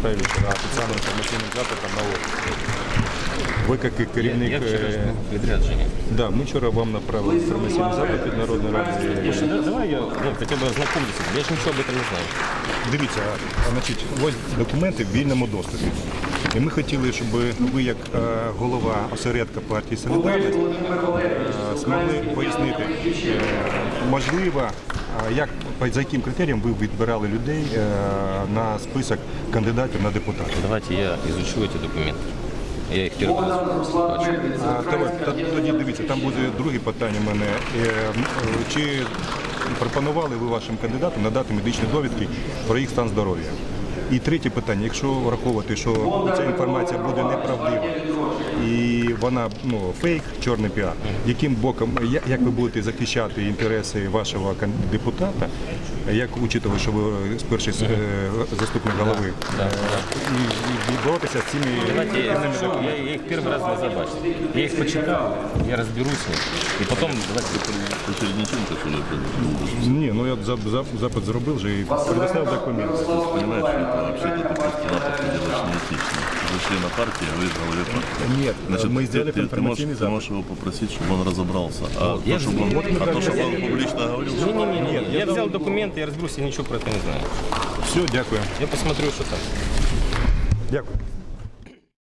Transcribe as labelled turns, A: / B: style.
A: Михайловича на офіційним інформаційним запитом на офіс. Ви як керівник...
B: Я вчора ж був у відрядженні.
A: Да, ми вчора вам направили інформаційний запит від Народної Ради.
B: Слушай, давай я хоча б ознакомлюся, я ж нічого об этом не знаю.
A: Дивіться, значить, ось документи в вільному доступі. І ми хотіли, щоб ви, як голова осередка партії «Солідарність», змогли пояснити, можливо, за яким критерієм ви відбирали людей на список кандидатів на депутатів.
B: Давайте я изучу эти документы. Я їх перший раз бачу.
A: Тоді дивіться, там буде друге питання в мене. Чи пропонували ви вашим кандидатам надати медичні довідки про їх стан здоров'я? І третє питання, якщо враховувати, що ця інформація буде неправдива і вона фейк, чорний піар, яким боком, як ви будете захищати інтереси вашого депутата, як учитывая, що ви перший заступник голови, і боротися з цими документами?
B: Я їх перший раз не забачив. Я їх почитав, я розберусь з ним. І потім...
A: Ні, ну я запит зробив вже і предоставив документи.
C: Понимаешь, это вообще-то ты просто запад делаешь неэтично. Вы члена партии, а вы из главы партии.
A: Нет,
C: Значит,
A: мы сделали информативный
C: ты
A: запад.
C: можешь его попросить, чтобы он разобрался. А
B: Я
C: то, чтобы он публично говорил, что...
B: Не-не-не, я взял документы, я разберусь, я ничего про это не знаю.
A: Все, дякую.
B: Я посмотрю, что там.
A: Дякую.